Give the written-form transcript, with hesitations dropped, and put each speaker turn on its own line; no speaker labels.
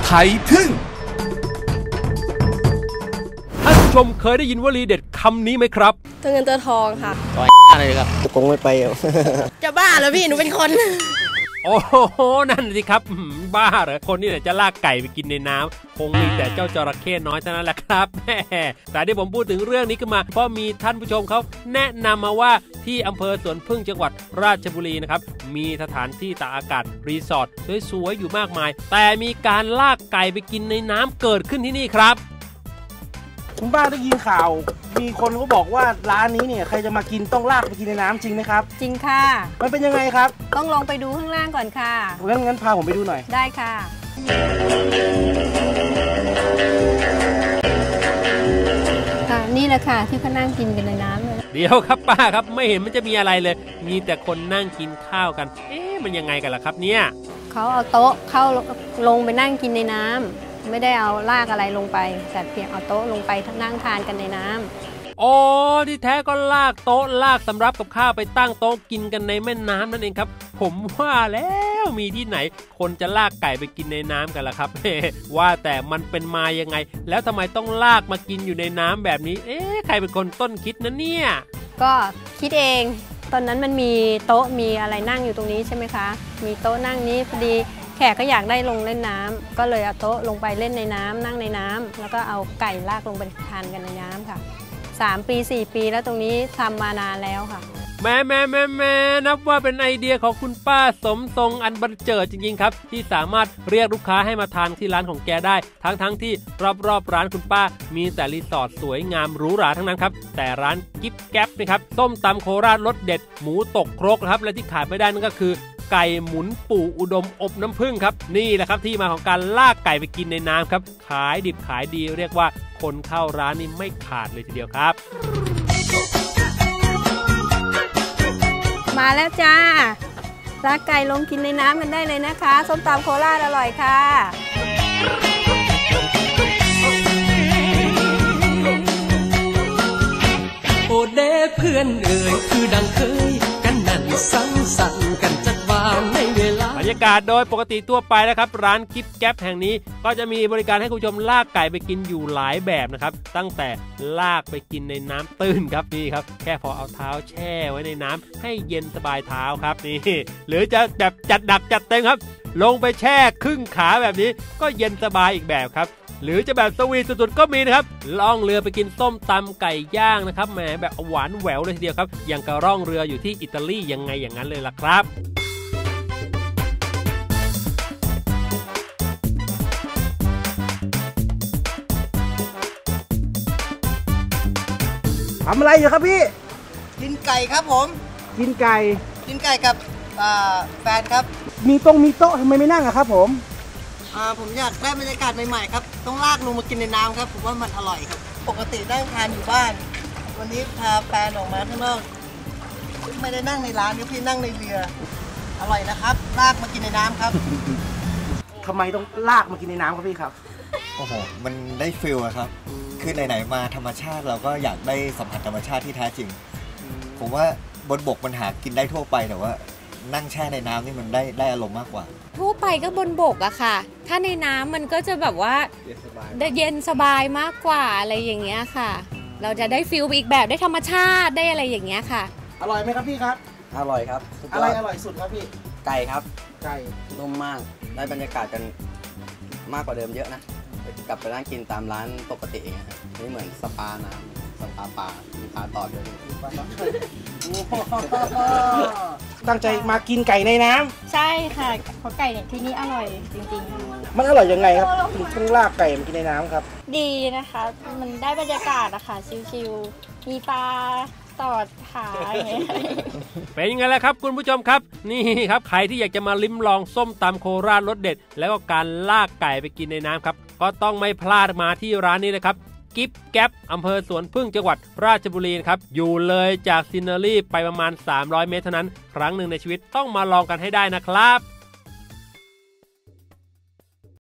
ยทึ่ง
ท่านผู้ชมเคยได้ยินวลีเด็ดคำนี้ไหมครับ
ตัวเงินตัวทองค่ะ
ต่อยอะไรครับ
คงไม่ไป
จะบ้าเหรอพี่หนูเป็นคน
โอ้โหนั่นสิครับบ้าเหรอคนนี่แหละจะลากไก่ไปกินในน้ำคงมีแต่เจ้าจระเข้น้อยเท่านั้นแหละครับแต่ที่ผมพูดถึงเรื่องนี้ขึ้นมาเพราะมีท่านผู้ชมเขาแนะนำมาว่าที่อำเภอสวนพึ่งจังหวัดราชบุรีนะครับมีสถานที่ตากอากาศรีสอร์ทสวยๆอยู่มากมายแต่มีการลากไก่ไปกินในน้ำเกิดขึ้นที่นี่ครับ
คุณป้าได้ยินข่าวมีคนเขาบอกว่าร้านนี้เนี่ยใครจะมากินต้องลากไปกินในน้ำจริงไหมครับ
จริงค่ะ
มันเป็นยังไงครับ
ต้องลงไปดูข้างล่างก่อนค่ะ
งั้นพาผมไปดูหน่อย
ได้ค่ะนี่แหละค่ะที่เขานั่งกินกันในน้ำเลย
เดี๋ยวครับป้าครับไม่เห็นมันจะมีอะไรเลยมีแต่คนนั่งกินข้าวกันมันยังไงกันล่ะครับเนี่ย
เขาเอาโต๊ะเข้าลงไปนั่งกินในน้ำไม่ได้เอาลากอะไรลงไปแต่เพียงเอาโต๊ะลงไปนั่งทานกันในน้ำ
อ๋อที่แท้ก็ลากโต๊ะลากสำรับกับข้าวไปตั้งโต๊ะกินกันในแม่น้ำนั่นเองครับผมว่าแล้วมีที่ไหนคนจะลากไก่ไปกินในน้ำกันล่ะครับว่าแต่มันเป็นมายังไงแล้วทำไมต้องลากมากินอยู่ในน้ำแบบนี้ใครเป็นคนต้นคิดนะเนี่ย
ก็คิดเองตอนนั้นมันมีโต๊ะมีอะไรนั่งอยู่ตรงนี้ใช่ไหมคะมีโต๊ะนั่งนี้พอดีแขกก็อยากได้ลงเล่นน้ำก็เลยเอาโต๊ะลงไปเล่นในน้ำนั่งในน้ำแล้วก็เอาไก่ลากลงไปทานกันในน้ำค่ะ3 ปี 4 ปีแล้วตรงนี้ทำมานานแล้วค่ะ
แม่นับว่าเป็นไอเดียของคุณป้าสมทรงอันบันเจิดจริงๆครับที่สามารถเรียกลูกค้าให้มาทานที่ร้านของแกได้ทั้งที่รอบร้านคุณป้ามีแต่รีสอร์ทสวยงามหรูหราทั้งนั้นครับแต่ร้านกิ๊บแก๊ปนะครับส้มตำโคราชรสเด็ดหมูตกครกนะครับและที่ขาดไม่ได้นั่นก็คือไก่หมุนปู่อุดมอบน้ำผึ้งครับนี่แหละครับที่มาของการลากไก่ไปกินในน้ำครับขายดิบขายดีเรียกว่าคนเข้าร้านนี่ไม่ขาดเลยทีเดียวครับ
มาแล้วจ้าลากไก่ลงกินในน้ำกันได้เลยนะคะส้มตำโคราชอร่อยค่ะ
โอเดเพื่อนเอ่ยคือดังเคยกันนั่นสังสรรค์กันจัดวานในเวลา
บรรยากาศโดยปกติทั่วไปนะครับร้านกิ๊บแก๊ปแห่งนี้ก็จะมีบริการให้คุณผู้ชมลากไก่ไปกินอยู่หลายแบบนะครับตั้งแต่ลากไปกินในน้ำตื้นครับนี่ครับแค่พอเอาเท้าแช่ไว้ในน้ำให้เย็นสบายเท้าครับนี่หรือจะแบบจัดหนักจัดเต็มครับลงไปแช่ครึ่งขาแบบนี้ก็เย็นสบายอีกแบบครับหรือจะแบบสวีทสุดๆก็มีนะครับล่องเรือไปกินส้มตำไก่ย่างนะครับแหมแบบหวานแหววเลยทีเดียวครับอย่างกับล่องเรืออยู่ที่อิตาลียังไงอย่างนั้นเลยล่ะครับ
ทำอะไรอยู่ครับพี่
กินไก่ครับผม
กินไก่
กับแฟนครับ
มีโต๊ะทำไมไม่นั่งอะครับผม
ผมอยากได้บรรยากาศใหม่ๆครับต้องลากลงมากินในน้ำครับผมว่ามันอร่อยครับปกตินั่งทานอยู่บ้านวันนี้พาแฟนออกมาข้างนอกไม่ได้นั่งในร้านพี่นั่งในเรืออร่อยนะครับลากมากินในน้ำครับ
ทำไมต้องลากมากินในน้ำครับพี่ครับ
โอ้โหมันได้ฟิลอะครับคือไหนๆมาธรรมชาติเราก็อยากได้สัมผัสธรรมชาติที่แท้จริงผมว่าบนบกมันหากินได้ทั่วไปแต่ว่านั่งแช่ในน้ำนี่มันได้อารมณ์มากกว่า
ทั่วไปก็บนบกอะค่ะถ้าในน้ำมันก็จะแบบว่าเย็นสบายมากกว่าอะไรอย่างเงี้ยค่ะเราจะได้ฟิลอีกแบบได้ธรรมชาติได้อะไรอย่างเงี้ยค่ะ
อร่อยไหมครับพี่ครับ
อร่อยครับ
อะไรอร่อยสุดครับพี่
ไก่ครับ
ไก่
นุ่มมากได้บรรยากาศกันมากกว่าเดิมเยอะนะกลับไปนั่งกินตามร้านปกติเองครับนี่เหมือนสปาน้ำสปาปลามีปลาตอดด้วย
ตั้งใจมากินไก่ในน้
ำใช่ค่ะเพราะไก่เนี่ยที่นี่อร่อยจริงๆ
มันอร่อยยังไงครับต้องลากไก่มากินในน้ำครับ
ดีนะคะมันได้บรรยากาศอะค่ะชิลๆมีปลาตอดขา
เป็นยังไงล่ะครับคุณผู้ชมครับนี่ครับใครที่อยากจะมาลิ้มลองส้มตำโคราชรสเด็ดแล้วก็การลากไก่ไปกินในน้ำครับก็ต้องไม่พลาดมาที่ร้านนี้เลยครับกิ๊บแก๊ปอำเภอสวนพึ่งจังหวัดราชบุรีครับอยู่เลยจากซินเนอรี่ไปประมาณ300 เมตรเท่านั้นครั้งหนึ่งในชีวิตต้องมาลองกันให้ได้นะครับ